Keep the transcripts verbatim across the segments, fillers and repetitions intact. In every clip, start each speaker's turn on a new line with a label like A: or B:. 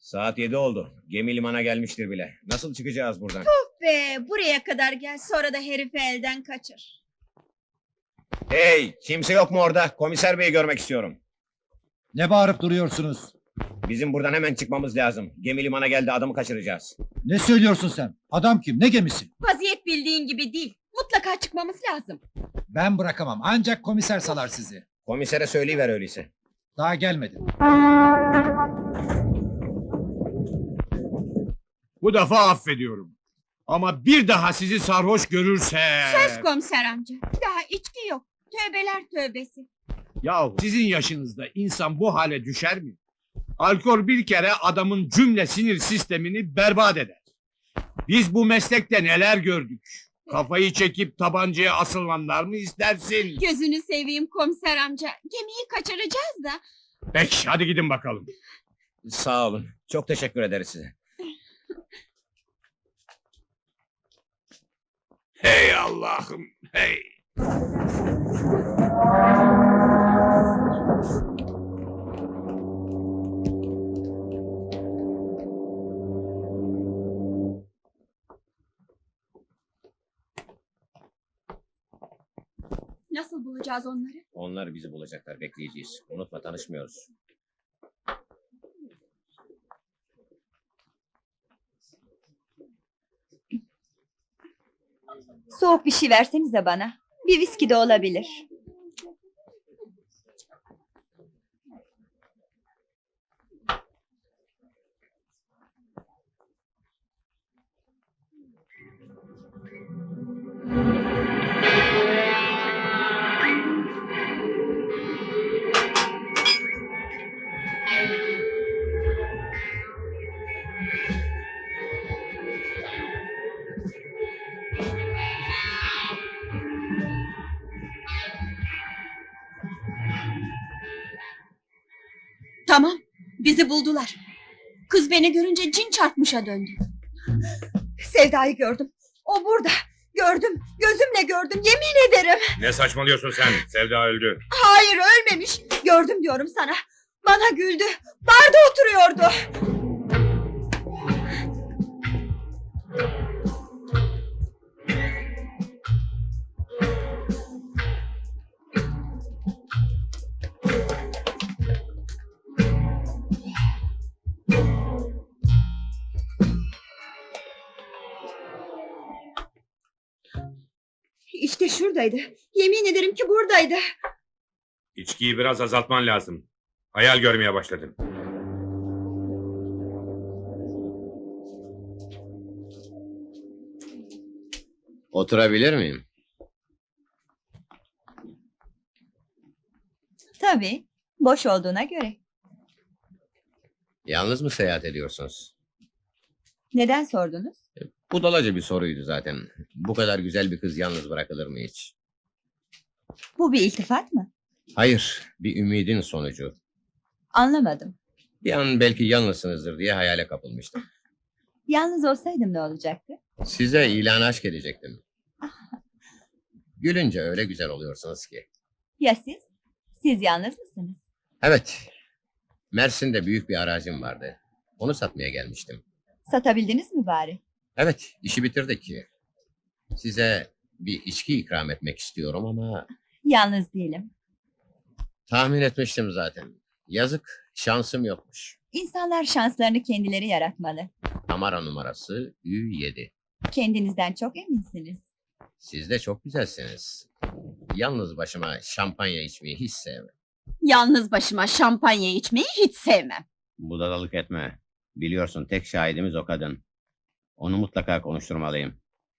A: Saat yedi oldu. Gemi limana gelmiştir bile. Nasıl çıkacağız buradan?
B: Be, buraya kadar gel, sonra da herifi elden kaçır.
A: Hey! Kimse yok mu orada? Komiser beyi görmek istiyorum.
C: Ne bağırıp duruyorsunuz?
A: Bizim buradan hemen çıkmamız lazım. Gemi limana geldi, adamı kaçıracağız.
C: Ne söylüyorsun sen? Adam kim? Ne gemisi?
B: Vaziyet bildiğin gibi değil. Mutlaka çıkmamız lazım.
C: Ben bırakamam. Ancak komiser salar sizi.
A: Komisere söyleyiver öyleyse.
C: Daha gelmedi.
D: Bu defa affediyorum. Ama bir daha sizi sarhoş görürse...
B: Söz komiser amca. Daha içki yok. Tövbeler tövbesi.
D: Yahu sizin yaşınızda insan bu hale düşer mi? Alkol bir kere adamın cümle sinir sistemini berbat eder. Biz bu meslekte neler gördük? Kafayı çekip tabancaya asılanlar mı istersin?
B: Gözünü seveyim komiser amca. Gemiyi kaçıracağız da.
D: Peki hadi gidin bakalım.
A: Sağ olun. Çok teşekkür ederiz size.
D: Hey Allah'ım hey.
B: Nasıl bulacağız onları?
A: Onlar bizi bulacaklar, bekleyeceğiz. Unutma, tanışmıyoruz.
E: Soğuk bir şey versenize bana. Bir viski de olabilir.
B: Tamam. Bizi buldular. Kız beni görünce cin çarpmışa döndü.
E: Sevda'yı gördüm. O burada. Gördüm. Gözümle gördüm. Yemin ederim.
F: Ne saçmalıyorsun sen? Sevda öldü.
E: Hayır, ölmemiş. Gördüm diyorum sana. Bana güldü. Barda oturuyordu. İşte şuradaydı. Yemin ederim ki buradaydı.
F: İçkiyi biraz azaltman lazım. Hayal görmeye başladın.
A: Oturabilir miyim?
E: Tabii. Boş olduğuna göre.
A: Yalnız mı seyahat ediyorsunuz?
E: Neden sordunuz?
A: Budalaca bir soruydu zaten. Bu kadar güzel bir kız yalnız bırakılır mı hiç?
E: Bu bir iltifat mı?
A: Hayır, bir ümidin sonucu.
E: Anlamadım.
A: Bir an belki yalnızsınızdır diye hayale kapılmıştım.
E: Yalnız olsaydım ne olacaktı?
A: Size ilan aşk edecektim. Gülünce öyle güzel oluyorsunuz ki.
E: Ya siz? Siz yalnız mısınız?
A: Evet, Mersin'de büyük bir arazim vardı. Onu satmaya gelmiştim.
E: Satabildiniz mi bari?
A: Evet, işi bitirdik ki. Size bir içki ikram etmek istiyorum ama...
E: Yalnız değilim.
A: Tahmin etmiştim zaten. Yazık, şansım yokmuş.
E: İnsanlar şanslarını kendileri yaratmalı.
A: Kamera numarası Ü yedi.
E: Kendinizden çok eminsiniz.
A: Siz de çok güzelsiniz. Yalnız başıma şampanya içmeyi hiç sevmem.
B: Yalnız başıma şampanya içmeyi hiç sevmem.
A: Budalalık etme. Biliyorsun tek şahidimiz o kadın. Onu mutlaka konuşturmalıyım.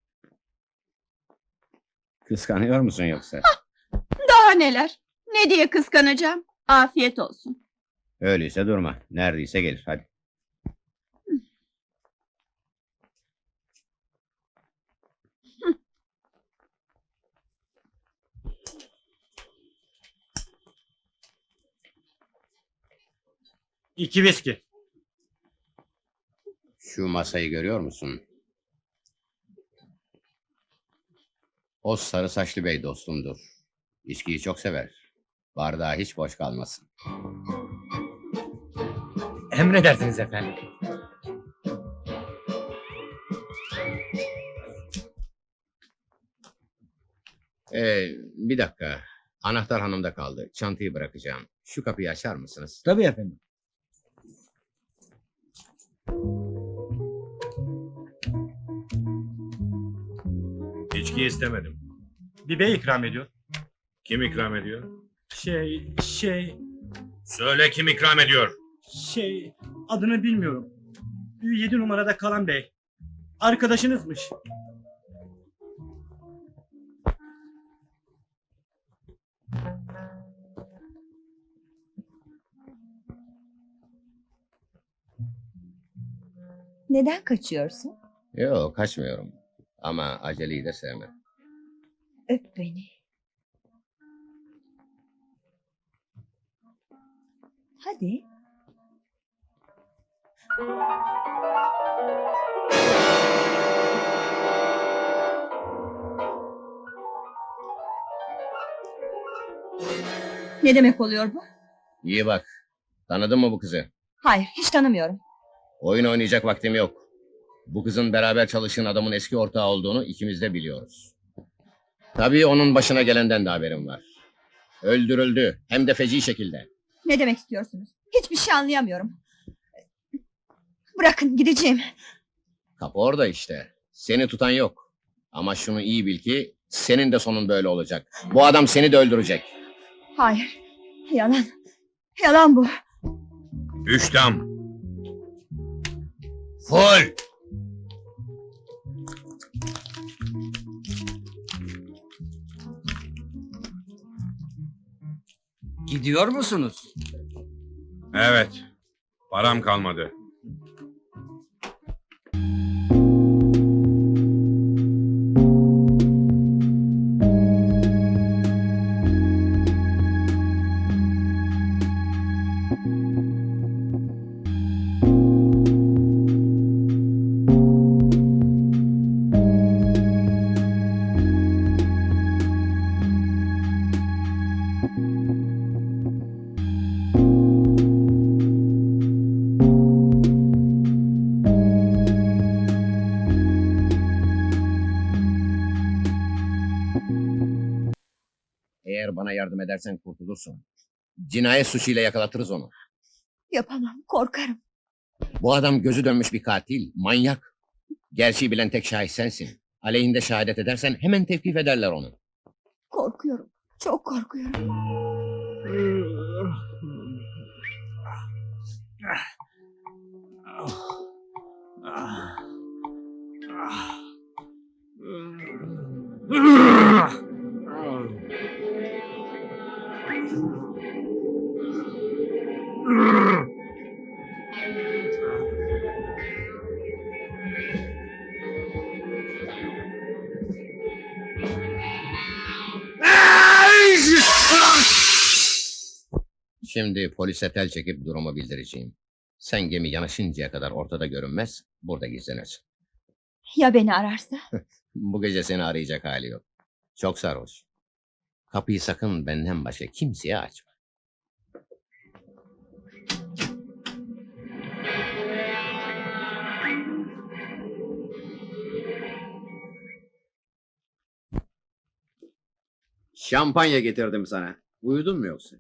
A: Kıskanıyor musun yoksa?
B: Daha neler? Ne diye kıskanacağım? Afiyet olsun.
A: Öyleyse durma. Neredeyse gelir. Hadi.
D: İki viski.
A: Şu masayı görüyor musun? O sarı saçlı bey dostumdur. İçkiyi çok sever. Bardağı hiç boş kalmasın.
G: Emredersiniz efendim.
A: Ee, bir dakika. Anahtar hanımda kaldı. Çantayı bırakacağım. Şu kapıyı açar mısınız?
C: Tabii efendim.
F: İçki istemedim.
G: Bir bey ikram ediyor.
F: Kim ikram ediyor?
G: Şey, şey,
F: Söyle kim ikram ediyor?
G: şey, adını bilmiyorum. Yedi numarada kalan bey. Arkadaşınızmış.
E: Neden kaçıyorsun?
A: Yok, kaçmıyorum. Ama aceleyi de sevmem.
E: Öp beni. Hadi.
B: Ne demek oluyor bu?
A: İyi bak. Tanıdın mı bu kızı?
E: Hayır, hiç tanımıyorum.
A: Oyun oynayacak vaktim yok. Bu kızın beraber çalıştığın adamın eski ortağı olduğunu ikimiz de biliyoruz. Tabii onun başına gelenden de haberim var. Öldürüldü. Hem de feci şekilde.
E: Ne demek istiyorsunuz? Hiçbir şey anlayamıyorum. Bırakın, gideceğim.
A: Kapı orada işte. Seni tutan yok. Ama şunu iyi bil ki senin de sonun böyle olacak. Bu adam seni de öldürecek.
E: Hayır, yalan. Yalan bu.
F: Üç dam.
A: Full!
H: Gidiyor musunuz?
F: Evet. Param kalmadı.
A: Eğer bana yardım edersen kurtulursun. Cinayet suçuyla yakalatırız onu.
E: Yapamam, korkarım.
A: Bu adam gözü dönmüş bir katil, manyak. Gerçeği bilen tek şahit sensin. Aleyhinde şehadet edersen hemen tevkif ederler onu.
E: Korkuyorum, çok korkuyorum.
A: Şimdi polise tel çekip durumu bildireceğim. Sen gemi yanaşıncaya kadar ortada görünmez, burada gizlenirsin.
E: Ya beni ararsa?
A: Bu gece seni arayacak hali yok. Çok sarhoş. Kapıyı sakın benden başka kimseye açma.
I: Şampanya getirdim sana. Uyudun mu yoksa?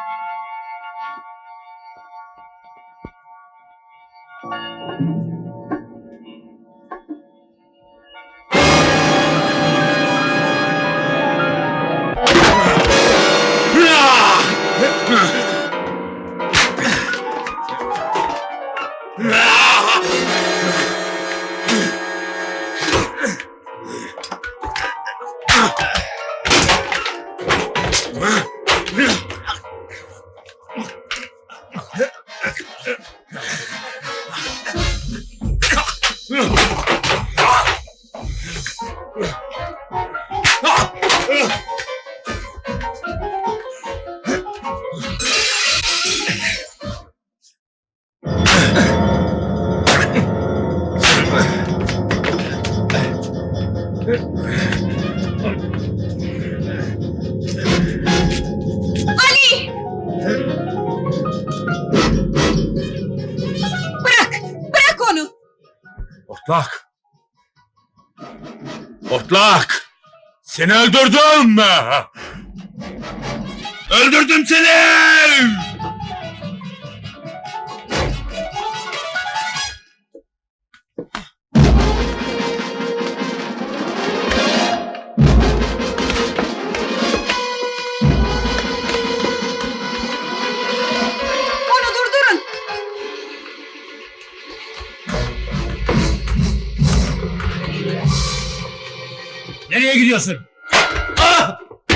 B: Ali! Bırak! Bırak onu!
F: Otlak! Otlak! Seni öldürdüm! Öldürdüm seni!
E: Onu durdurun.
D: Nereye gidiyorsun? Ah!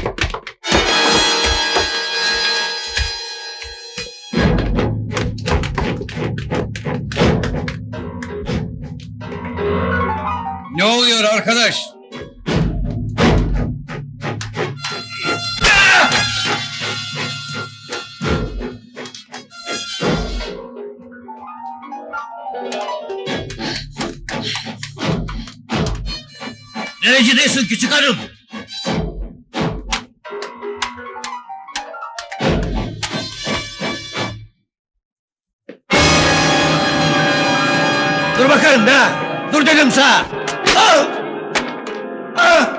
H: Ne oluyor arkadaş?
D: Nerecidesin küçük hanım? Dur bakalım da! Dur dedim sana! Ah! Ah!